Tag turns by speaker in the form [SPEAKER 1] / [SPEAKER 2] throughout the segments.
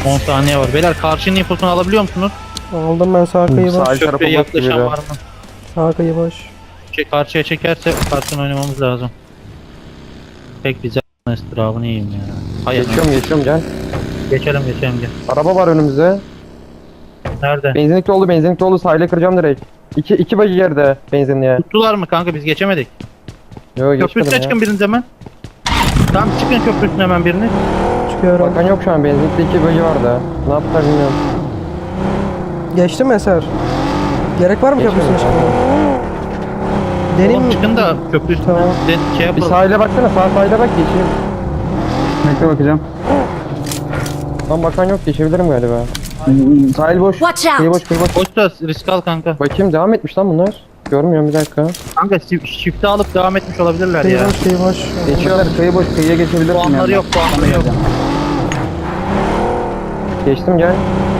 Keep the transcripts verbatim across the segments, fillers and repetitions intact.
[SPEAKER 1] on saniye var. Beyler karşının infosunu alabiliyor musunuz?
[SPEAKER 2] Aldım ben, sağ kıyı boş.
[SPEAKER 3] Sağ tarafı
[SPEAKER 1] Köprüye
[SPEAKER 3] boş
[SPEAKER 1] yaklaşan
[SPEAKER 3] gibi.
[SPEAKER 1] var mı?
[SPEAKER 2] Sağ kıyı boş.
[SPEAKER 1] Şey, karşıya çekerse karşını oynamamız lazım. Pek bize estrabını yiyeyim ya. Hayır.
[SPEAKER 3] Geçiyorum geçiyorum gel.
[SPEAKER 1] Geçelim geçelim gel.
[SPEAKER 3] Araba var önümüzde.
[SPEAKER 1] Nerede?
[SPEAKER 3] Benzinlikli oldu benzinlikli oldu, sahile kıracağım direkt. İki, iki bagi yerde benzinliğe.
[SPEAKER 1] Tuttular mı kanka, biz geçemedik.
[SPEAKER 3] Yo
[SPEAKER 1] Köprü üstüne
[SPEAKER 3] geçmedim ya.
[SPEAKER 1] çıkın biriniz hemen. Tamam çıkın köprü üstüne hemen birini.
[SPEAKER 2] Çıkıyorum.
[SPEAKER 3] Bakan yok şu an, benzinlikte iki bagi vardı. Ne yaptılar bilmiyorum.
[SPEAKER 2] Geçti mi Eser? Gerek var mı
[SPEAKER 3] Geçmedim
[SPEAKER 2] köprüsüne
[SPEAKER 3] kanka.
[SPEAKER 2] çıkmaya? Deneyim
[SPEAKER 1] Oğlum
[SPEAKER 2] mi?
[SPEAKER 1] çıkın da köprü üstüne.
[SPEAKER 2] Tamam.
[SPEAKER 1] De, şey
[SPEAKER 3] Bir
[SPEAKER 1] yapalım.
[SPEAKER 3] sahile baksana, sağ sahile bak geçeyim.
[SPEAKER 4] Bekle bakacağım.
[SPEAKER 3] Lan bakan yok, geçebilirim galiba.
[SPEAKER 4] Hmm, Sahil boş.
[SPEAKER 5] Watch out.
[SPEAKER 4] Kıyı boş, kıyı boş.
[SPEAKER 1] Boş da risk al kanka.
[SPEAKER 3] Bakayım devam etmiş lan bunlar. Görmüyorum bir dakika.
[SPEAKER 1] Kanka şif- şifte alıp devam etmiş olabilirler
[SPEAKER 2] Kıyı
[SPEAKER 1] ya.
[SPEAKER 2] boş, kıyı boş.
[SPEAKER 4] Geçiyorlar, kıyı boş, kıyıya geçebilirsin.
[SPEAKER 1] Puanları
[SPEAKER 4] yani.
[SPEAKER 1] yok, puanları yok.
[SPEAKER 3] Geçtim gel.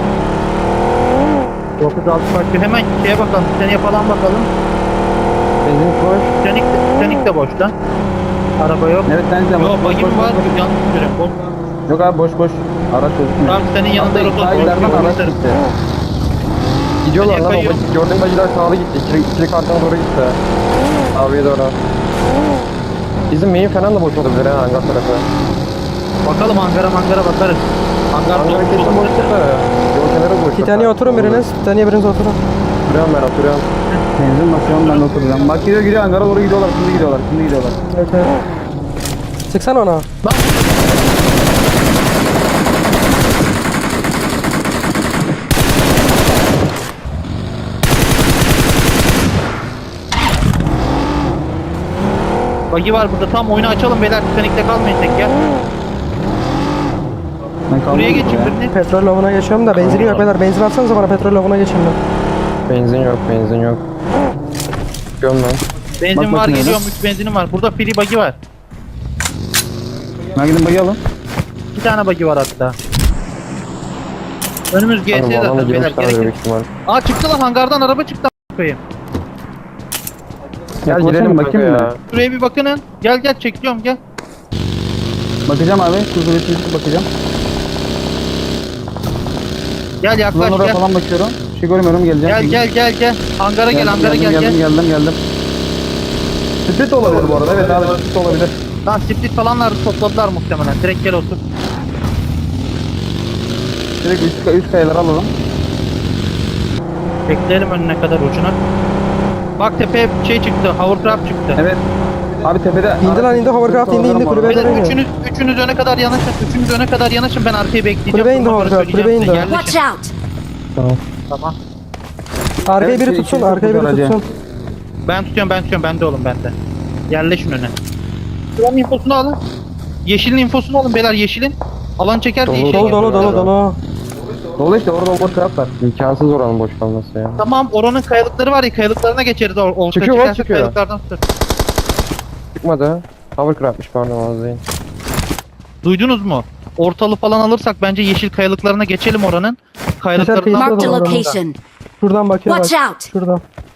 [SPEAKER 1] dokuz altı farklı. Hemen şeye bakalım. Titaniye falan bakalım.
[SPEAKER 3] Benzinlik boş.
[SPEAKER 1] Titanic de, Titanic de boş lan. Araba yok.
[SPEAKER 4] Evet, sen de boş,
[SPEAKER 1] Yok
[SPEAKER 4] boş,
[SPEAKER 1] bagim
[SPEAKER 4] boş,
[SPEAKER 1] var.
[SPEAKER 4] boş, boş.
[SPEAKER 1] Yanlış görüyorum. Boş.
[SPEAKER 4] Yok abi boş boş. Araç gözükmüyor.
[SPEAKER 1] Tamam senin yanında
[SPEAKER 4] Abi,
[SPEAKER 1] rotor
[SPEAKER 4] sahillerden
[SPEAKER 1] boş.
[SPEAKER 4] araç gitti.
[SPEAKER 3] Gidiyorlar
[SPEAKER 1] Nereye
[SPEAKER 3] lan o
[SPEAKER 1] kayıyor?
[SPEAKER 3] bagi. Gördüğün bagiler sağlı gitti. İkili, ikili kartına doğru gitti. Abiye doğru. Bizim main falan da boş olabilir ha, hangar tarafı.
[SPEAKER 1] Bakalım hangara mangara bakarız. Hangar
[SPEAKER 3] Hangar
[SPEAKER 1] dolmuş
[SPEAKER 3] kesin boş
[SPEAKER 1] olabilir.
[SPEAKER 3] çıktı. Yol kenarı boş.
[SPEAKER 2] Titaniye oturun biriniz. Titaniye biriniz oturun.
[SPEAKER 3] Oturuyorum ben oturuyorum.
[SPEAKER 4] Benzin basıyorum, ben de oturacağım. Bak gidiyor gidiyor, hangara doğru gidiyorlar, şimdi gidiyorlar, şimdi gidiyorlar.
[SPEAKER 2] Evet evet. Sıksana ona.
[SPEAKER 1] Bagi var burada. Tam oyunu açalım beyler. Titanic'te kalmayın tek ya.
[SPEAKER 4] Ben kaldım
[SPEAKER 1] Buraya geçin
[SPEAKER 4] burada ya.
[SPEAKER 1] birini.
[SPEAKER 2] Petrol lavına geçiyorum da benzinim yok beyler. Benzin atsanıza bana, petrol lavına geçeyim ben.
[SPEAKER 3] Benzin yok, benzin yok. Çıkıyorum ben.
[SPEAKER 1] Benzin
[SPEAKER 4] Bak
[SPEAKER 1] var
[SPEAKER 4] bakayım
[SPEAKER 1] geliyorum. üç benzinim var. Burada free bagi var.
[SPEAKER 4] Ben gidin bayı alın.
[SPEAKER 1] İki tane bagi var hatta. Önümüz G S
[SPEAKER 3] Hanım alana
[SPEAKER 1] zaten beyler.
[SPEAKER 3] girmişlerdir
[SPEAKER 1] Gerek yok.
[SPEAKER 3] büyük ihtimal.
[SPEAKER 1] Aa çıktı lan, hangardan araba çıktı. a**ayım.
[SPEAKER 3] Gel
[SPEAKER 4] Yaklaşalım,
[SPEAKER 3] girelim kanka
[SPEAKER 4] bakayım
[SPEAKER 3] ya.
[SPEAKER 4] mı?
[SPEAKER 1] Şuraya bir bakının. Gel gel çekiyorum gel.
[SPEAKER 4] Bakacağım abi, kuzu bir bakacağım.
[SPEAKER 1] Gel yaklaş
[SPEAKER 4] Buradan oraya
[SPEAKER 1] gel.
[SPEAKER 4] falan bakıyorum. Bir şey görmüyorum, geleceğim.
[SPEAKER 1] Gel
[SPEAKER 4] şimdi.
[SPEAKER 1] gel gel gel. Hangara gel,
[SPEAKER 4] Geldim,
[SPEAKER 1] hangara
[SPEAKER 4] geldim,
[SPEAKER 1] gel
[SPEAKER 4] geldim,
[SPEAKER 1] gel.
[SPEAKER 4] geldim, geldim. Split olabilir bu arada, evet abi, split olabilir.
[SPEAKER 1] Lan split falanlar topladılar muhtemelen. Direkt gel otur.
[SPEAKER 4] Direkt üst, üst kayaları alalım.
[SPEAKER 1] Bekleyelim önüne kadar ucuna. Bak tepeye şey çıktı. Hovercraft çıktı.
[SPEAKER 4] Evet. Abi tepede...
[SPEAKER 2] İndi lan, indi, hovercraft indi, indi, kulübe
[SPEAKER 1] Beyler
[SPEAKER 2] dönüyor.
[SPEAKER 1] üçünüz, üçünüz öne kadar yanaşın. Üçünüz öne kadar yanaşın. Ben arkayı bekleyeceğim.
[SPEAKER 2] Kulübe indi
[SPEAKER 1] Sonra
[SPEAKER 2] hovercraft,
[SPEAKER 1] söyleyeceğim
[SPEAKER 2] kulübe
[SPEAKER 1] size.
[SPEAKER 2] indi.
[SPEAKER 5] Watch
[SPEAKER 1] Yerleşin.
[SPEAKER 5] out.
[SPEAKER 1] Tamam.
[SPEAKER 2] Arkayı
[SPEAKER 4] Evet,
[SPEAKER 2] biri
[SPEAKER 4] şey,
[SPEAKER 2] tutsun,
[SPEAKER 4] iki
[SPEAKER 2] arkayı biri
[SPEAKER 4] aracı.
[SPEAKER 2] tutsun.
[SPEAKER 1] Ben tutuyorum ben tutuyorum. Bende oğlum bende. Yerleşin öne. Şuranın infosunu alın. Yeşilin infosunu alın beyler, yeşilin. Alan çekerse
[SPEAKER 3] Dolu,
[SPEAKER 1] yeşil.
[SPEAKER 2] Dolu dolu dolu dolu.
[SPEAKER 4] Dolu işte, orada boş taraf var.
[SPEAKER 3] İmkansız oranın boş kalması ya.
[SPEAKER 1] Tamam, oranın kayalıkları var ya, kayalıklarına geçeriz. Or ortaya
[SPEAKER 3] Çıkıyor,
[SPEAKER 1] çıkarsa
[SPEAKER 3] çıkıyor.
[SPEAKER 1] kayalıklardan tutar.
[SPEAKER 3] Çıkmadı. Hovercraft'mış pardon az değil.
[SPEAKER 1] Duydunuz mu? Ortalı falan alırsak bence yeşil kayalıklarına geçelim oranın. Kayalıklarından
[SPEAKER 2] Marked
[SPEAKER 5] Marked a
[SPEAKER 2] Orada.
[SPEAKER 5] location.
[SPEAKER 2] Şuradan bakıyor bak.
[SPEAKER 5] Watch out.
[SPEAKER 2] Şuradan.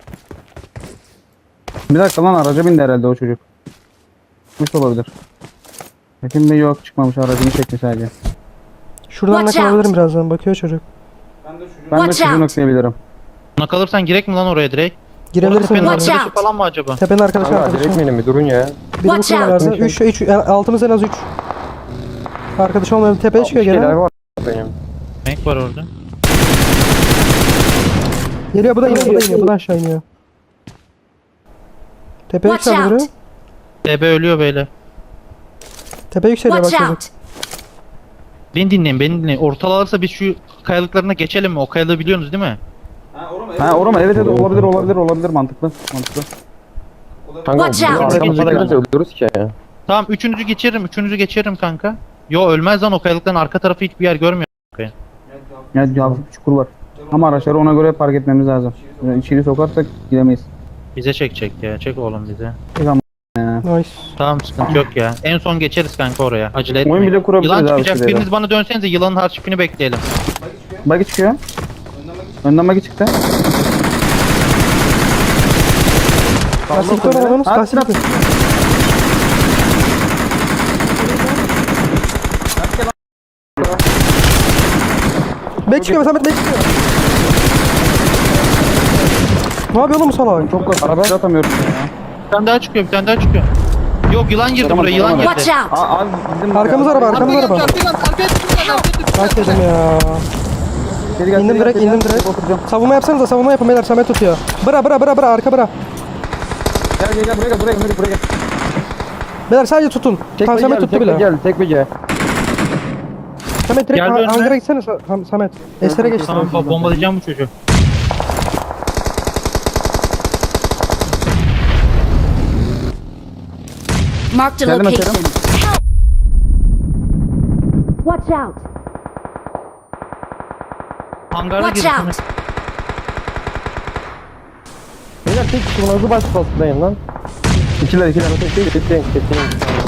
[SPEAKER 4] Bir dakika lan, araca bindi herhalde o çocuk. Çıkmış olabilir. Ekim Bey yok, çıkmamış, aracını çekti sadece.
[SPEAKER 2] Şuradan
[SPEAKER 5] Watch
[SPEAKER 2] nakılabilirim
[SPEAKER 5] out.
[SPEAKER 2] birazdan, bakıyor çocuk.
[SPEAKER 4] Ben de
[SPEAKER 5] Watch
[SPEAKER 4] çocuğu
[SPEAKER 5] out.
[SPEAKER 4] noklayabilirim.
[SPEAKER 1] Buna kalırsan girek mi lan oraya direkt? Orada
[SPEAKER 2] Girebilirsin.
[SPEAKER 1] tepenin
[SPEAKER 5] Watch
[SPEAKER 1] arkadaşı
[SPEAKER 5] out.
[SPEAKER 1] falan mı acaba?
[SPEAKER 2] Tepenin arkadaşı
[SPEAKER 3] Kanka
[SPEAKER 2] arkadaşı.
[SPEAKER 3] direkt benim bir durun ya.
[SPEAKER 2] Biri bu
[SPEAKER 5] Watch out.
[SPEAKER 2] kulelerde. üç üç altımız en az üç. Arkadaş olmayan tepeye çıkıyor
[SPEAKER 3] Şeyler
[SPEAKER 2] gene.
[SPEAKER 3] var benim.
[SPEAKER 1] Renk var orada.
[SPEAKER 2] Geliyor, bu da iniyor, bu da iniyor, bu da aşağı iniyor. Tepeye
[SPEAKER 5] Watch
[SPEAKER 2] yükseliyor
[SPEAKER 5] out.
[SPEAKER 2] biri.
[SPEAKER 1] D B ölüyor böyle.
[SPEAKER 2] Tepeye yükseliyor bak
[SPEAKER 5] Watch
[SPEAKER 2] çocuk.
[SPEAKER 5] out.
[SPEAKER 1] Beni dinleyin, beni dinleyin. Ortalı alırsa biz şu kayalıklarına geçelim mi? O kayalığı biliyorsunuz değil mi?
[SPEAKER 4] Ha orama, evet evet, olabilir olabilir olabilir, mantıklı mantıklı.
[SPEAKER 3] Kanka
[SPEAKER 5] Watch out.
[SPEAKER 3] arkamızda da gelirse öldürürüz ki.
[SPEAKER 1] Tamam, üçünüzü geçiririm, üçünüzü geçiririm kanka. Yo ölmez lan, o kayalıkların arka tarafı hiçbir yer görmüyor.
[SPEAKER 4] Ya hafif bir çukur var. Ama araçları ona göre park etmemiz lazım. Yani içeri sokarsak gidemeyiz.
[SPEAKER 1] Bize çekecek ya, çek oğlum bize.
[SPEAKER 2] Nice.
[SPEAKER 1] Tamam sıkıntı yok ya. En son geçeriz kanka oraya. Acele etmeyin.
[SPEAKER 4] Oyun bile kurabiliriz
[SPEAKER 1] Yılan
[SPEAKER 4] abi
[SPEAKER 1] çıkacak,
[SPEAKER 4] şuraya.
[SPEAKER 1] biriniz bana dönsenize, yılanın harçipini bekleyelim.
[SPEAKER 4] Bagi çıkıyor. Önden bagi çıktı.
[SPEAKER 2] Lastikte olalımız,
[SPEAKER 4] At,
[SPEAKER 2] lastikte. Bek çıkıyor Samet, bek çıkıyor. Ne yapıyor oğlum bu salak?
[SPEAKER 4] Çok basit.
[SPEAKER 3] Araba.
[SPEAKER 4] Atamıyorum ya.
[SPEAKER 1] Bir tane daha çıkıyor bir tane daha çıkıyor. Yok yılan girdi
[SPEAKER 4] Tamam,
[SPEAKER 1] buraya yılan
[SPEAKER 4] tamam.
[SPEAKER 1] girdi.
[SPEAKER 5] Watch out!
[SPEAKER 4] Aa, abi bizim
[SPEAKER 2] Arkamız araba, arkamız
[SPEAKER 1] Arkaya
[SPEAKER 2] araba.
[SPEAKER 1] arkaya arkaya arkaya
[SPEAKER 2] Bak dedim ya.
[SPEAKER 4] Geri gel,
[SPEAKER 2] İndim
[SPEAKER 4] geri gel,
[SPEAKER 2] direkt,
[SPEAKER 4] geri
[SPEAKER 2] indim
[SPEAKER 4] gel.
[SPEAKER 2] direkt.
[SPEAKER 4] Oturacağım.
[SPEAKER 2] Savunma yapsanıza, savunma yapın beyler, Samet tutuyor. Bıra bıra bıra bıra, arka bıra.
[SPEAKER 4] Gel gel gel buraya gel buraya gel buraya gel.
[SPEAKER 2] Beyler sadece tutun.
[SPEAKER 3] Tek
[SPEAKER 2] Tamam
[SPEAKER 3] bir
[SPEAKER 2] Samet
[SPEAKER 3] gel,
[SPEAKER 2] tuttu
[SPEAKER 3] tek bir
[SPEAKER 2] bile.
[SPEAKER 3] gel, tek bir gel.
[SPEAKER 2] Samet direkt
[SPEAKER 1] Gel
[SPEAKER 2] ha-
[SPEAKER 1] önüne.
[SPEAKER 2] hangara gitsene Sa- Ham- Samet. Estere geç.
[SPEAKER 1] Tamam bo- bombalayacağım bu çocuğu.
[SPEAKER 5] Marked a
[SPEAKER 4] Geldim
[SPEAKER 5] location.
[SPEAKER 4] açarım.
[SPEAKER 5] Help! Watch out!
[SPEAKER 1] Hangara
[SPEAKER 5] Watch
[SPEAKER 1] girdi.
[SPEAKER 5] out!
[SPEAKER 3] Beyler tek kişi buna hızlı başlasındayım lan.
[SPEAKER 4] İkiler ikiler.
[SPEAKER 3] Kesin, kesin, kesin.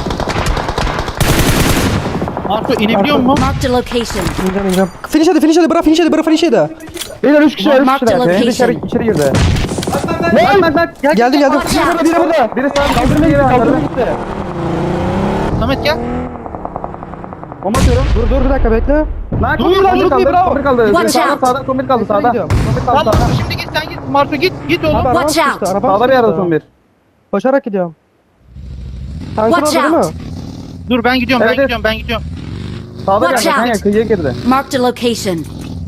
[SPEAKER 1] Marco inebiliyor mu?
[SPEAKER 5] Marked a location.
[SPEAKER 2] İneceğim ineceğim. Finish hadi, finish hadi, bıra finish hadi, bıra finish hadi.
[SPEAKER 3] Beyler üç kişi, üç
[SPEAKER 5] Mark the
[SPEAKER 3] kişi.
[SPEAKER 5] location.
[SPEAKER 3] Biri içeri, içeri girdi.
[SPEAKER 4] Bak bak bak.
[SPEAKER 2] Geldim geldim.
[SPEAKER 5] Watch out!
[SPEAKER 3] Biri burada. Biri sağ kaldırmaya gitti, kaldırmaya gitti.
[SPEAKER 1] Samet gel.
[SPEAKER 4] Bomba atıyorum.
[SPEAKER 2] Dur dur bir dakika bekle.
[SPEAKER 4] Lan
[SPEAKER 1] Dur,
[SPEAKER 4] kombi
[SPEAKER 1] dur,
[SPEAKER 4] kaldı.
[SPEAKER 1] dur,
[SPEAKER 4] Kombi kaldı. Kombi kaldı.
[SPEAKER 5] Watch
[SPEAKER 4] Sağda
[SPEAKER 5] out.
[SPEAKER 4] sağda kombi kaldı sağda.
[SPEAKER 2] gidiyorum.
[SPEAKER 4] Kombi kaldı
[SPEAKER 1] Tamam
[SPEAKER 4] sağda.
[SPEAKER 1] şimdi git sen git. Marco git git oğlum.
[SPEAKER 2] Abi araba
[SPEAKER 5] Watch
[SPEAKER 2] sıkıştı,
[SPEAKER 5] out.
[SPEAKER 2] araba
[SPEAKER 4] Sağda bir yerde
[SPEAKER 2] sıkıştı.
[SPEAKER 4] son bir.
[SPEAKER 2] Koşarak gidiyorum. Tankın
[SPEAKER 5] Watch
[SPEAKER 2] orada değil
[SPEAKER 5] out.
[SPEAKER 2] mi?
[SPEAKER 1] Dur ben gidiyorum
[SPEAKER 4] Evet,
[SPEAKER 1] ben
[SPEAKER 4] evet.
[SPEAKER 1] gidiyorum ben gidiyorum.
[SPEAKER 4] Sağda
[SPEAKER 5] Watch
[SPEAKER 4] geldi. Kanka
[SPEAKER 5] out.
[SPEAKER 4] kıyıya girdi.
[SPEAKER 5] Marked a location.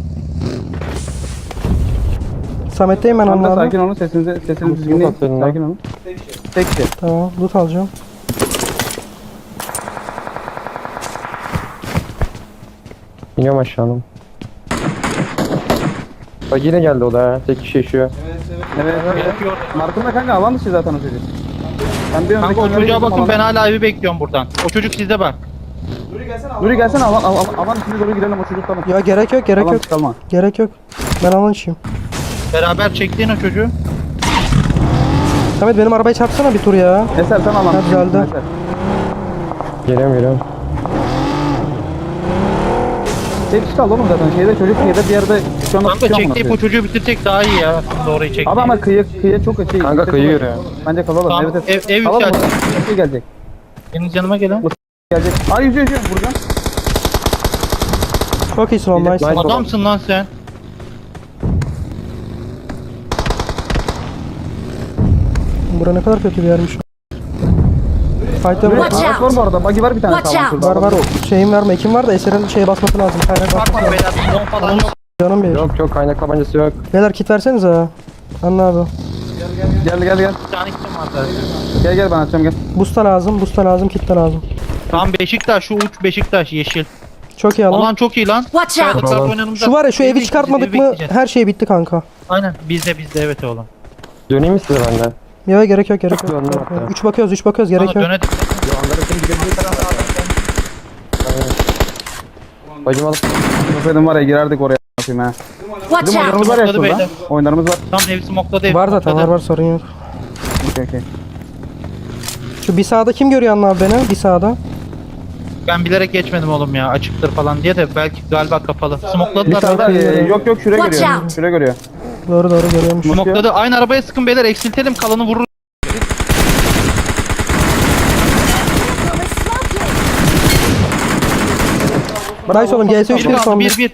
[SPEAKER 2] Samet'teyim ben
[SPEAKER 4] Kanka
[SPEAKER 2] onlarla.
[SPEAKER 4] sakin olun sesinizi sesinizi düzgün değil.
[SPEAKER 3] atıyorum lan.
[SPEAKER 4] Sakin olun. Tek kişi.
[SPEAKER 2] Tamam, loot alacağım.
[SPEAKER 3] İniyorum aşağıdan. Bak yine geldi o da ha. Tek kişi yaşıyor.
[SPEAKER 4] Evet evet.
[SPEAKER 1] Yapıyor.
[SPEAKER 4] Mark'ın da kanka alan dışı zaten o çocuk. Ben bir
[SPEAKER 1] Kanka
[SPEAKER 4] öndeki
[SPEAKER 1] o
[SPEAKER 4] onlara
[SPEAKER 1] çocuğa
[SPEAKER 4] gittim
[SPEAKER 1] bakın ben
[SPEAKER 4] alana.
[SPEAKER 1] hala evi bekliyorum buradan. O çocuk sizde bak.
[SPEAKER 4] Nuri gelsene alan, alan, alan içine doğru girelim o çocuk tamam.
[SPEAKER 2] Ya gerek yok, gerek
[SPEAKER 4] Alan
[SPEAKER 2] yok.
[SPEAKER 4] çıkalma.
[SPEAKER 2] Gerek yok. Ben alan içeyim.
[SPEAKER 1] Beraber çektiğin o çocuğu.
[SPEAKER 2] Samet benim arabayı çarpsana bir tur ya.
[SPEAKER 4] Eser sen alan.
[SPEAKER 2] Ha, düzeldi.
[SPEAKER 4] Eser.
[SPEAKER 3] Geliyorum, geliyorum.
[SPEAKER 4] Tek kişi kaldı oğlum zaten şeyde çocuk kıyıda bir yerde şu anda
[SPEAKER 1] Kanka
[SPEAKER 4] tutuyor
[SPEAKER 1] çektiği
[SPEAKER 4] mu?
[SPEAKER 1] bu çocuğu bitirsek daha iyi ya. Doğru çekti.
[SPEAKER 4] Abi ama kıyı kıyıya çok şey.
[SPEAKER 3] Kanka
[SPEAKER 4] yüksek
[SPEAKER 3] kıyı
[SPEAKER 4] olur.
[SPEAKER 3] yürüyor.
[SPEAKER 4] Bence kalalım.
[SPEAKER 1] Tamam,
[SPEAKER 4] Evet evet.
[SPEAKER 1] ev- ev
[SPEAKER 4] Kalalım
[SPEAKER 1] yükseldi.
[SPEAKER 4] orada. Şey gelecek.
[SPEAKER 1] Benim canıma gelen.
[SPEAKER 4] Gelecek. Ay yüzüyor yüzüyor vuracağım.
[SPEAKER 2] Çok iyisin oğlum, nice.
[SPEAKER 3] Nice.
[SPEAKER 1] Adamsın lan sen.
[SPEAKER 2] Bura ne kadar kötü bir yermiş. Fight'ta
[SPEAKER 4] Watch
[SPEAKER 2] var.
[SPEAKER 4] Araç var bu arada. Buggy var bir tane
[SPEAKER 5] Watch
[SPEAKER 4] sağlam
[SPEAKER 5] out.
[SPEAKER 4] şurada.
[SPEAKER 2] Var var o şeyin var mı? Ekim var da Eser'in şeye basması lazım. Kaynak basması
[SPEAKER 1] Bakma
[SPEAKER 2] lazım.
[SPEAKER 1] beyler. Don falan yok.
[SPEAKER 2] Canım bir.
[SPEAKER 3] Yok yok, kaynak tabancası yok.
[SPEAKER 2] Beyler kit versenize ha. Anla abi.
[SPEAKER 4] Gel gel gel.
[SPEAKER 1] Bir tane kitim var zaten.
[SPEAKER 4] Gel gel ben açacağım gel.
[SPEAKER 2] Busta lazım, busta lazım, kit de lazım.
[SPEAKER 1] Tamam Beşiktaş şu uç Beşiktaş yeşil.
[SPEAKER 2] Çok iyi alan.
[SPEAKER 1] Alan çok iyi lan.
[SPEAKER 5] Watch out!
[SPEAKER 1] Kayalıklar
[SPEAKER 3] Alan.
[SPEAKER 1] oynanımda.
[SPEAKER 2] Şu var ya, şu evi
[SPEAKER 1] bekleyeceğiz,
[SPEAKER 2] çıkartmadık
[SPEAKER 1] evi
[SPEAKER 2] mı
[SPEAKER 1] bekleyeceğiz.
[SPEAKER 2] her şey bitti kanka.
[SPEAKER 1] Aynen bizde bizde evet oğlum.
[SPEAKER 3] Döneyim mi size benden?
[SPEAKER 2] Ya gerek yok, gerek yok.
[SPEAKER 3] Döndüm hatta.
[SPEAKER 2] üç bakıyoruz, üç bakıyoruz, gerek
[SPEAKER 1] Bana
[SPEAKER 2] yok.
[SPEAKER 1] döne
[SPEAKER 3] Bacım alıp
[SPEAKER 4] Efendim var ya girerdik oraya yapayım ha.
[SPEAKER 5] Watch
[SPEAKER 4] Bizim
[SPEAKER 5] out!
[SPEAKER 4] oyunlarımız var ya
[SPEAKER 1] Smokladı
[SPEAKER 4] şurada.
[SPEAKER 1] beyler.
[SPEAKER 4] Oyunlarımız var.
[SPEAKER 1] tam hepsi mokladı hepsi
[SPEAKER 2] Var zaten, var
[SPEAKER 1] mokladı.
[SPEAKER 2] var, sorun yok.
[SPEAKER 4] Okey okey.
[SPEAKER 2] Şu bir sağda kim görüyor anla abi beni? Bir sağda.
[SPEAKER 1] Ben bilerek geçmedim oğlum ya açıktır falan diye de belki galiba kapalı.
[SPEAKER 4] Bir
[SPEAKER 1] Smokladılar.
[SPEAKER 4] sağda
[SPEAKER 1] beyler.
[SPEAKER 4] e, yok yok şuraya
[SPEAKER 5] Watch
[SPEAKER 4] görüyor.
[SPEAKER 5] out.
[SPEAKER 4] Şuraya görüyor.
[SPEAKER 2] Doğru doğru görüyormuş.
[SPEAKER 1] Smokladı. Aynı arabaya sıkın beyler eksiltelim kalanı vurur.
[SPEAKER 2] Nice oğlum, G S üç
[SPEAKER 1] Bir
[SPEAKER 2] bir
[SPEAKER 1] kaldı
[SPEAKER 2] son
[SPEAKER 1] bir
[SPEAKER 2] bir.
[SPEAKER 1] bir.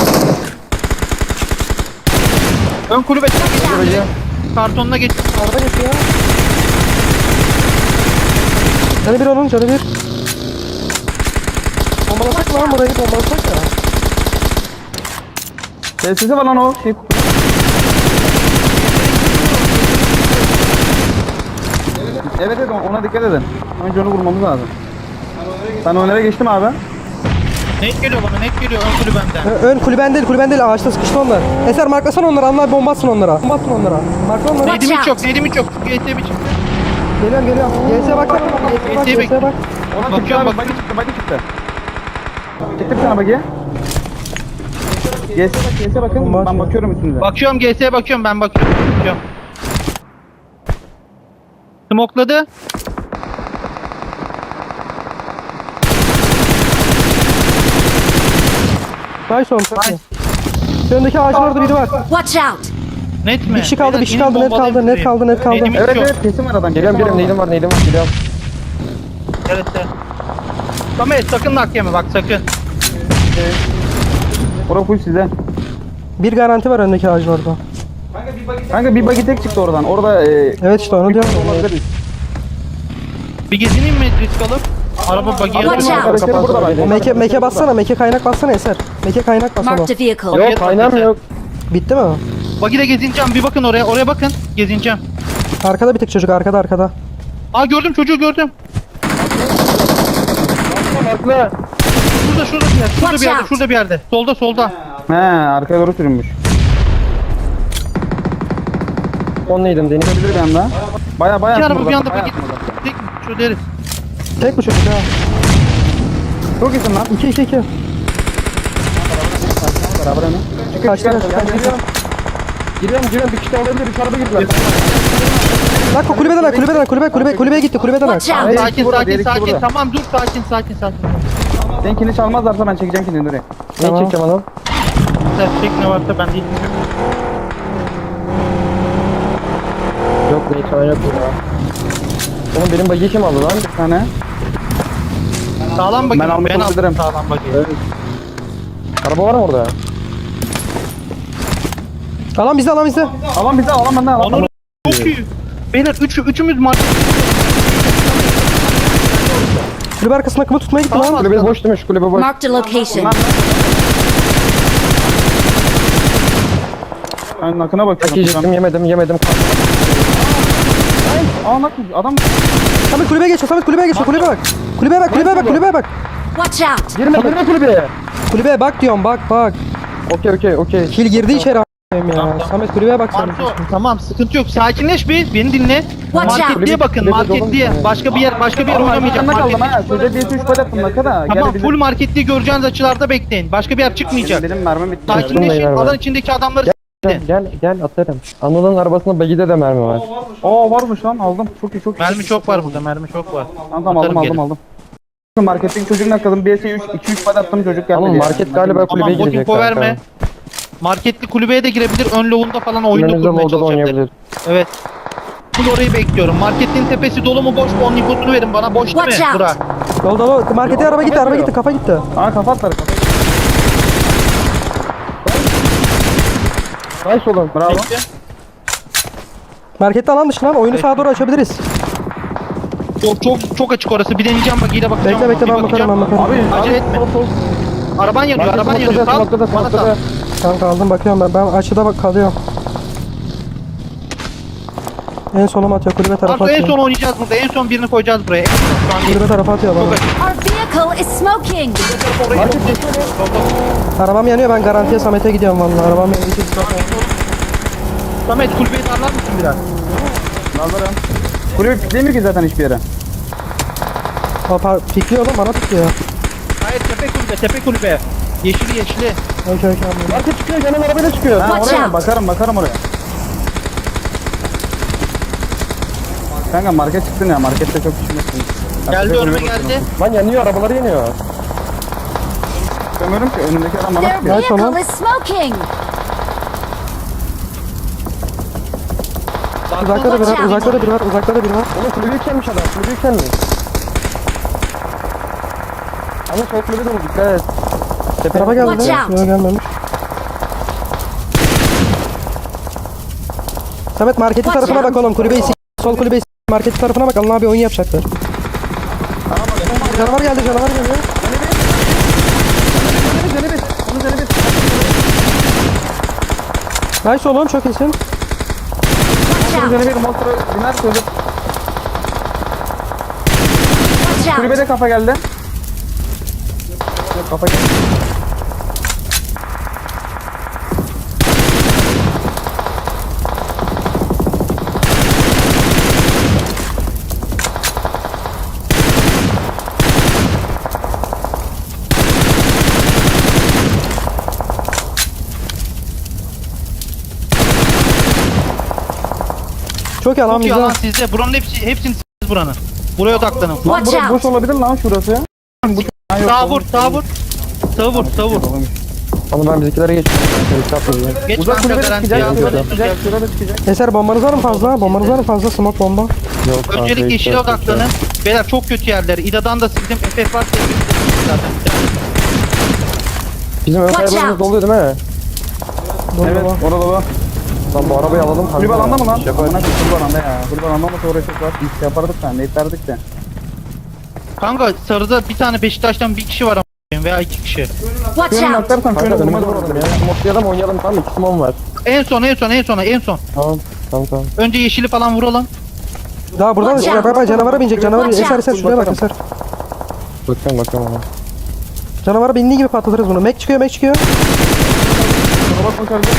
[SPEAKER 1] Ön kulübe kartonuna geç.
[SPEAKER 2] Arada geçiyor. Canı bir onun, canı bir. Bombalasak mı lan burayı, bombalasak ya.
[SPEAKER 4] Sessizi var lan o. Şey... Evet evet ona dikkat edin. Önce onu vurmamız lazım. Ben onlara geçtim abi.
[SPEAKER 1] Net geliyor bana net geliyor ön kulübemden.
[SPEAKER 2] Ö- Ön kulüben değil, kulüben değil, ağaçta sıkıştı onlar. Eser marklasana onları, anla bomba atsın onlara. Bomba atsın onlara. Markla onları.
[SPEAKER 5] Watch
[SPEAKER 1] Nedim hiç
[SPEAKER 5] out.
[SPEAKER 1] yok Nedim hiç yok. G S mi çıktı?
[SPEAKER 2] Geliyorum geliyorum. G S'ye bak. G S'ye bak,
[SPEAKER 1] G S'ye
[SPEAKER 2] G S'ye bak.
[SPEAKER 4] Ona
[SPEAKER 1] Bakıyorum,
[SPEAKER 4] çıktı abi.
[SPEAKER 1] bakıyorum.
[SPEAKER 4] Bagi çıktı. Bagi çıktı. Çıktı bir tane bagi. G S'e bak, G S'e bakın.
[SPEAKER 2] Bomba
[SPEAKER 4] Ben
[SPEAKER 2] atıyor.
[SPEAKER 4] bakıyorum üstünüze.
[SPEAKER 1] Bakıyorum G S'ye bakıyorum ben bakıyorum. bakıyorum. Smokladı.
[SPEAKER 2] Nice oğlum, çok iyi. Şu öndeki ağacın orada biri var.
[SPEAKER 5] Watch out!
[SPEAKER 1] Net mi?
[SPEAKER 2] Bir kişi kaldı,
[SPEAKER 1] Beyler,
[SPEAKER 2] bir kişi
[SPEAKER 1] inin
[SPEAKER 2] kaldı, net
[SPEAKER 1] bombalayın
[SPEAKER 2] kaldı, net
[SPEAKER 1] şurayı.
[SPEAKER 2] kaldı, net kaldı.
[SPEAKER 1] Nedim hiç
[SPEAKER 4] Evet
[SPEAKER 1] yok.
[SPEAKER 4] evet kesin var adam.
[SPEAKER 3] geliyorum,
[SPEAKER 4] kesin var
[SPEAKER 3] geliyorum.
[SPEAKER 4] adam.
[SPEAKER 3] Neydim var, neydim var, geliyorum.
[SPEAKER 1] Evet evet. Samet sakın nak yeme bak sakın.
[SPEAKER 4] Orada full size.
[SPEAKER 2] Bir garanti var öndeki ağacın orada.
[SPEAKER 4] Kanka bir bagi tek çıktı oradan. Orada e,
[SPEAKER 2] Evet işte onu diyorum.
[SPEAKER 4] olabilir.
[SPEAKER 1] Bir gezineyim mi risk alıp? Araba buggy'ye
[SPEAKER 5] Watch
[SPEAKER 1] atıyorum.
[SPEAKER 5] out.
[SPEAKER 3] Arkadaşları burada bak.
[SPEAKER 2] Meke, meke bassana, meke kaynak bassana Eser. Meke kaynak bas oğlum.
[SPEAKER 5] Marked a vehicle.
[SPEAKER 3] Yok kaynağım yok.
[SPEAKER 2] Bitti mi?
[SPEAKER 1] Buggy'de gezineceğim. Bir bakın oraya. Oraya bakın. Gezineceğim.
[SPEAKER 2] Arkada bir tek çocuk, arkada arkada.
[SPEAKER 1] Aa gördüm çocuğu gördüm.
[SPEAKER 3] Farklı.
[SPEAKER 1] Şurada şurada bir yerde. Şurada
[SPEAKER 5] Watch
[SPEAKER 1] bir yerde.
[SPEAKER 5] out.
[SPEAKER 1] Şurada bir yerde. Solda solda.
[SPEAKER 4] He arkaya doğru sürünmüş.
[SPEAKER 3] Onluydım Deniz.
[SPEAKER 4] Olabilir bir anda. Baya baya
[SPEAKER 1] İki
[SPEAKER 4] attım
[SPEAKER 1] araba bir
[SPEAKER 4] oradan,
[SPEAKER 1] anda
[SPEAKER 4] bayağı
[SPEAKER 1] buggy.
[SPEAKER 4] attım oradan.
[SPEAKER 1] Tek şu deriz.
[SPEAKER 2] Tek bu çocuk ya.
[SPEAKER 4] Çok iyisin lan.
[SPEAKER 2] iki iki iki.
[SPEAKER 4] Beraber hemen.
[SPEAKER 2] Kaçtı kaçtı kaçtı.
[SPEAKER 3] Giriyorum giriyorum bir kişi de olabilir. Üç araba girdiler.
[SPEAKER 2] Lan kulübeden ak, kulübeden ak, kulübe, kulübe, kulübeye gitti, kulübeden ak.
[SPEAKER 5] Watch out.
[SPEAKER 4] Diğer
[SPEAKER 1] Sakin
[SPEAKER 4] ikisi burada,
[SPEAKER 1] sakin
[SPEAKER 4] diğer ikisi
[SPEAKER 1] sakin.
[SPEAKER 4] burada.
[SPEAKER 1] Tamam dur sakin sakin sakin.
[SPEAKER 4] Seninkini çalmazlarsa ben çekeceğim kendini oraya.
[SPEAKER 3] Neyi
[SPEAKER 2] Tamam.
[SPEAKER 3] çekeceğim anam?
[SPEAKER 1] Sen çek ne varsa ben değilim.
[SPEAKER 3] Yok neyi çalan yok burada. Oğlum benim bagiyi kim aldı lan?
[SPEAKER 4] Bir tane.
[SPEAKER 1] Sağlam buggy.
[SPEAKER 4] Ben almış
[SPEAKER 1] Ben aldım
[SPEAKER 4] olabilirim.
[SPEAKER 1] sağlam buggy.
[SPEAKER 3] Araba var mı orada?
[SPEAKER 2] Alan bizde, alan bizde.
[SPEAKER 4] Alan bize alan benden alan.
[SPEAKER 1] Onur çok iyi. Beyler üç, üçümüz market.
[SPEAKER 2] Kulübe arkasına akımı tutmaya gitti
[SPEAKER 1] Tamam.
[SPEAKER 2] lan.
[SPEAKER 3] Kulübe boş demiş kulübe boş.
[SPEAKER 5] Marked a location.
[SPEAKER 4] Ben nakına
[SPEAKER 3] Belki
[SPEAKER 4] bakıyorum.
[SPEAKER 3] yiyecektim yemedim yemedim.
[SPEAKER 4] Aa nak adam.
[SPEAKER 2] Samet kulübeye geçiyor, Samet kulübeye geçiyor, kulübeye bak. Kulübeye bak, kulübeye bak, kulübeye bak.
[SPEAKER 5] Watch out.
[SPEAKER 3] Girme girme kulübeye.
[SPEAKER 2] Kulübeye bak diyorum, bak bak.
[SPEAKER 3] Okey okey okey.
[SPEAKER 2] Kil girdi içeri a**ayım ya. Samet kulübeye bak sen.
[SPEAKER 1] Marco tamam sıkıntı yok. Sakinleş bir. Beni dinle.
[SPEAKER 5] Watch out.
[SPEAKER 1] Marketliğe bakın.
[SPEAKER 3] Kulübe
[SPEAKER 1] Marketliğe.
[SPEAKER 3] dolu mu?
[SPEAKER 1] Başka bir yer başka bir yer
[SPEAKER 4] Oğlum
[SPEAKER 1] oynamayacağım.
[SPEAKER 4] arkanda kaldım
[SPEAKER 1] Marketliğe.
[SPEAKER 4] ha. Şurada bir üç pal attım naka da.
[SPEAKER 1] Tamam
[SPEAKER 4] Gel
[SPEAKER 1] full marketliği göreceğiniz açılarda bekleyin. Başka bir yer çıkmayacak.
[SPEAKER 4] Benim mermim bitti.
[SPEAKER 1] Sakinleşin.
[SPEAKER 3] Bununla iner
[SPEAKER 1] Alan
[SPEAKER 3] var.
[SPEAKER 1] içindeki adamları
[SPEAKER 3] Gel gel gel atarım. Anıl'ın arabasında bagide de mermi var.
[SPEAKER 4] Aa varmış lan aldım. Çok iyi çok iyi.
[SPEAKER 1] mermi çok var burada. Mermi çok var.
[SPEAKER 4] Tamam tamam aldım
[SPEAKER 1] Atarım
[SPEAKER 4] aldım
[SPEAKER 1] geri.
[SPEAKER 4] aldım. Marketteki çocuğun nakladım. Bir iki üç pal attım çocuk geldi.
[SPEAKER 3] Anıl
[SPEAKER 4] diye.
[SPEAKER 3] market galiba
[SPEAKER 1] Tamam
[SPEAKER 3] kulübeye
[SPEAKER 1] bot
[SPEAKER 3] girecek.
[SPEAKER 1] info verme. Marketli kulübeye de girebilir. Ön loğunda falan oyunu
[SPEAKER 3] Önümüzde
[SPEAKER 1] kurmaya
[SPEAKER 3] Low'da da
[SPEAKER 1] çalışabilir.
[SPEAKER 3] oynayabilir.
[SPEAKER 1] Evet. Full orayı bekliyorum. Marketin tepesi dolu mu boş mu? Onun infosunu verin bana. Boş değil mi?
[SPEAKER 5] Watch out.
[SPEAKER 1] Bura.
[SPEAKER 2] Dolu dolu. Markete araba gitti, araba gitti, kafa gitti.
[SPEAKER 4] Aa kafa atlar.
[SPEAKER 3] Nice oğlum.
[SPEAKER 4] Bravo.
[SPEAKER 1] Bekle.
[SPEAKER 2] Markette alan dışı lan. Oyunu sağa doğru açabiliriz.
[SPEAKER 1] Çok çok çok açık orası. Bir deneyeceğim bak ile bakacağım.
[SPEAKER 2] Bekle bekle
[SPEAKER 1] Bir
[SPEAKER 2] ben bakarım ben bakarım.
[SPEAKER 4] Abi
[SPEAKER 1] Acele
[SPEAKER 4] abi,
[SPEAKER 1] etme.
[SPEAKER 4] sol, sol.
[SPEAKER 1] Araban yanıyor. Araban yanıyor.
[SPEAKER 3] Smoke'da
[SPEAKER 1] Sal.
[SPEAKER 3] smoke'da
[SPEAKER 1] Bana sal.
[SPEAKER 3] smoke'da.
[SPEAKER 2] Kanka aldım bakıyorum ben. Ben açıda bak kalıyorum. En sonum atıyor, kulübe tarafa
[SPEAKER 1] Arto en
[SPEAKER 2] atıyor.
[SPEAKER 1] son oynayacağız burada. En son birini koyacağız buraya. En son şu an değil.
[SPEAKER 2] Kulübe tarafa atıyor bana.
[SPEAKER 5] Our vehicle is smoking.
[SPEAKER 1] Orayı çok
[SPEAKER 2] Arabam yanıyor, ben garantiye Samet'e gidiyorum vallahi. Arabam yanıyor.
[SPEAKER 1] Samet kulübeyi darlar mısın biraz?
[SPEAKER 4] Nazarım. Kulübe piklemiyor ki zaten hiçbir yere.
[SPEAKER 2] Hoppa pikliyor oğlum, bana pikliyor.
[SPEAKER 1] Hayır tepe kulübe. Tepe kulübe. Yeşili yeşili.
[SPEAKER 2] Okey okey anladım.
[SPEAKER 3] Market çıkıyor canım arabayla çıkıyor.
[SPEAKER 4] Ha,
[SPEAKER 5] Watch
[SPEAKER 4] oraya
[SPEAKER 5] out.
[SPEAKER 4] bakarım bakarım oraya. Kanka market çıktın ya markette çok pişmesin.
[SPEAKER 1] Geldi önüme geldi.
[SPEAKER 3] Lan yanıyor arabaları yanıyor.
[SPEAKER 4] Görmüyorum ki önündeki adam bana
[SPEAKER 5] Their
[SPEAKER 4] bakıyor.
[SPEAKER 2] Nice oğlum.
[SPEAKER 5] vehicle is smoking.
[SPEAKER 2] Uzakta da biri var, uzakta da biri var, uzakta da biri var.
[SPEAKER 3] Oğlum kulübe yükselmiş adam. Kulübe yükselmiş. Ama sol kulübe de bu dikkat et. Tepe
[SPEAKER 2] Araba geldi.
[SPEAKER 5] Watch out.
[SPEAKER 2] Yok gelmemiş. Samet marketin
[SPEAKER 5] Watch
[SPEAKER 2] tarafına
[SPEAKER 5] out.
[SPEAKER 2] bak oğlum, kulübeyi s**. Sol kulübeyi s**. Marketin tarafına bak, Allah abi oyun yapacaklar. Canavar geldi, canavar geliyor. Nice oğlum, çok iyisin.
[SPEAKER 5] Watch out.
[SPEAKER 4] Üzerine bir motor biner çocuk.
[SPEAKER 5] Watch out.
[SPEAKER 4] Kulübede kafa geldi. Kafa geldi.
[SPEAKER 2] Çok iyi lan
[SPEAKER 1] Çok iyi
[SPEAKER 2] bizde.
[SPEAKER 1] alan sizde. Buranın hepsi hepsini siz buranın. Buraya odaklanın.
[SPEAKER 4] Lan
[SPEAKER 5] Watch
[SPEAKER 4] bura boş
[SPEAKER 5] out.
[SPEAKER 4] olabilir lan şurası. Bu ha, yok,
[SPEAKER 1] Sağ vur,
[SPEAKER 4] olmuş.
[SPEAKER 1] sağ vur. Sağ vur, sağ vur.
[SPEAKER 4] Olmuş.
[SPEAKER 3] Ama ben bizimkilere geçiyorum. Şöyle yapmayayım.
[SPEAKER 1] Geç
[SPEAKER 4] Uzak
[SPEAKER 1] kanka
[SPEAKER 4] kulübede
[SPEAKER 1] garantiye.
[SPEAKER 4] çıkacak,
[SPEAKER 3] Yok,
[SPEAKER 4] şurada
[SPEAKER 3] yok.
[SPEAKER 4] çıkacak, şurada çıkacak.
[SPEAKER 2] Eser bombanız var mı fazla? Bombanız var mı fazla? Smoke bomba.
[SPEAKER 3] Yok, kanka,
[SPEAKER 1] Öncelik
[SPEAKER 3] hiç
[SPEAKER 1] yeşile
[SPEAKER 3] yok, hiç
[SPEAKER 1] odaklanın.
[SPEAKER 3] yok.
[SPEAKER 1] Beyler çok kötü yerler. İda'dan da sildim. F F var. Zaten bir tane.
[SPEAKER 3] Bizim ön
[SPEAKER 5] Watch
[SPEAKER 3] kaybımız
[SPEAKER 5] out.
[SPEAKER 3] doluyor değil mi?
[SPEAKER 4] Evet orada dolu.
[SPEAKER 3] Lan bu arabayı alalım kanka.
[SPEAKER 4] Kulüp alanda mı lan?
[SPEAKER 3] Şey yapalım.
[SPEAKER 4] Amına koyayım, kulüp alanda ya. Kulüp alanda mı uğraştık var. Biz yapardık sen. Ne iterdik de.
[SPEAKER 1] Kanka sarıda bir tane Beşiktaş'tan bir kişi var ama veya iki kişi.
[SPEAKER 5] Watch
[SPEAKER 4] Şöyle
[SPEAKER 5] out!
[SPEAKER 4] naklarsan
[SPEAKER 3] Kanka
[SPEAKER 4] şöyle
[SPEAKER 3] önümüzde
[SPEAKER 4] vurmaz
[SPEAKER 3] vuralım
[SPEAKER 4] vuralım
[SPEAKER 3] ya.
[SPEAKER 4] ya.
[SPEAKER 3] Motlayalım oynayalım tamam iki simon var.
[SPEAKER 1] En son en son en son en son.
[SPEAKER 3] Tamam tamam tamam.
[SPEAKER 1] Önce yeşili falan vuralım.
[SPEAKER 2] Daha buradan
[SPEAKER 5] Watch
[SPEAKER 2] bak
[SPEAKER 5] out.
[SPEAKER 2] bak canavara binecek canavara.
[SPEAKER 5] Watch
[SPEAKER 2] Eser
[SPEAKER 5] out.
[SPEAKER 2] eser şuraya bak eser.
[SPEAKER 3] Bakıyorum bakıyorum ona.
[SPEAKER 2] Canavara bindiği gibi patlatırız bunu. Mac çıkıyor Mac çıkıyor.
[SPEAKER 4] Bak bakalım.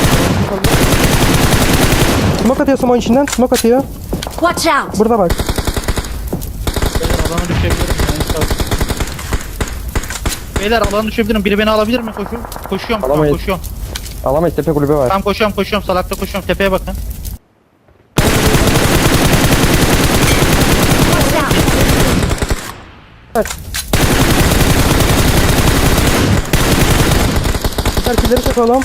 [SPEAKER 2] Smoke atıyor smoke içinden. Smoke atıyor.
[SPEAKER 5] Watch out!
[SPEAKER 2] Burada bak.
[SPEAKER 1] Alana düşebilirim. En sağ. Beyler alana düşebilirim. Biri beni alabilir mi? Koşuyorum. Koşuyorum. Tamam,
[SPEAKER 3] Alamayız.
[SPEAKER 1] koşuyorum.
[SPEAKER 3] Alamayız tepe kulübü var.
[SPEAKER 1] Tamam koşuyorum koşuyorum. Salakta koşuyorum. Tepeye bakın.
[SPEAKER 5] Watch out!
[SPEAKER 2] Eser killeri çek oğlum.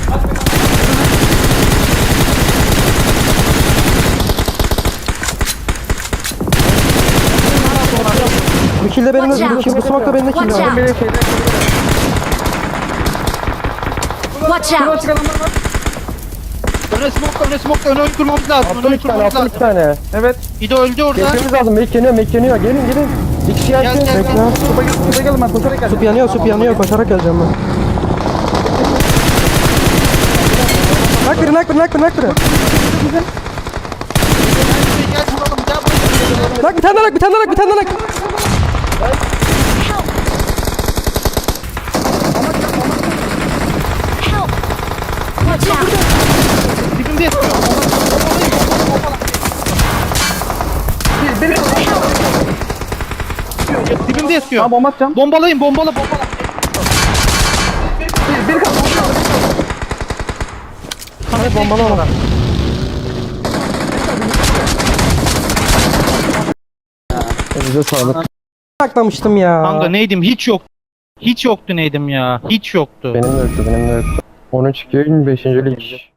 [SPEAKER 2] Bu kill de benim
[SPEAKER 5] Watch
[SPEAKER 2] bu,
[SPEAKER 5] out.
[SPEAKER 2] kill, bu smoke da benim de kill
[SPEAKER 5] Watch
[SPEAKER 2] var.
[SPEAKER 5] out! Watch out!
[SPEAKER 1] Öne smoke öne smoke öne oyun kurmamız lazım. Öne
[SPEAKER 3] Attım
[SPEAKER 1] oyun
[SPEAKER 3] iki tane
[SPEAKER 1] kurmamız
[SPEAKER 3] attım iki
[SPEAKER 1] lazım.
[SPEAKER 3] tane.
[SPEAKER 4] Evet.
[SPEAKER 1] İdo öldü orada.
[SPEAKER 3] Geçmemiz lazım. Mek yanıyor mek yanıyor. Gelin gelin. Bir kişi
[SPEAKER 1] Gel,
[SPEAKER 3] gelsin.
[SPEAKER 1] gel,
[SPEAKER 2] Bekle.
[SPEAKER 4] Supa gel. Supa gelin ben koşarak geleceğim.
[SPEAKER 2] Sup yanıyor sup yanıyor koşarak geleceğim ben. Nak biri nak biri nak biri nak biri.
[SPEAKER 1] Gel vuralım. Gel vuralım.
[SPEAKER 2] Nak bir tane nak bir tane nak bir tane nak.
[SPEAKER 5] Help! Watch out!
[SPEAKER 1] Dibimde yatıyor. Dibimde yatıyor.
[SPEAKER 4] Tamam bomba atacağım.
[SPEAKER 1] Bombalayın bombala bombala.
[SPEAKER 4] Bir kaldı.
[SPEAKER 1] Samet
[SPEAKER 2] bombala
[SPEAKER 1] bombala.
[SPEAKER 2] ona.
[SPEAKER 3] Bize sağlık.
[SPEAKER 2] Saklamıştım ya.
[SPEAKER 1] Kanka neydim hiç yok. Hiç yoktu neydim ya. Hiç yoktu.
[SPEAKER 3] Benim de yoktu benim de yoktu. on üç iki beşinci lig.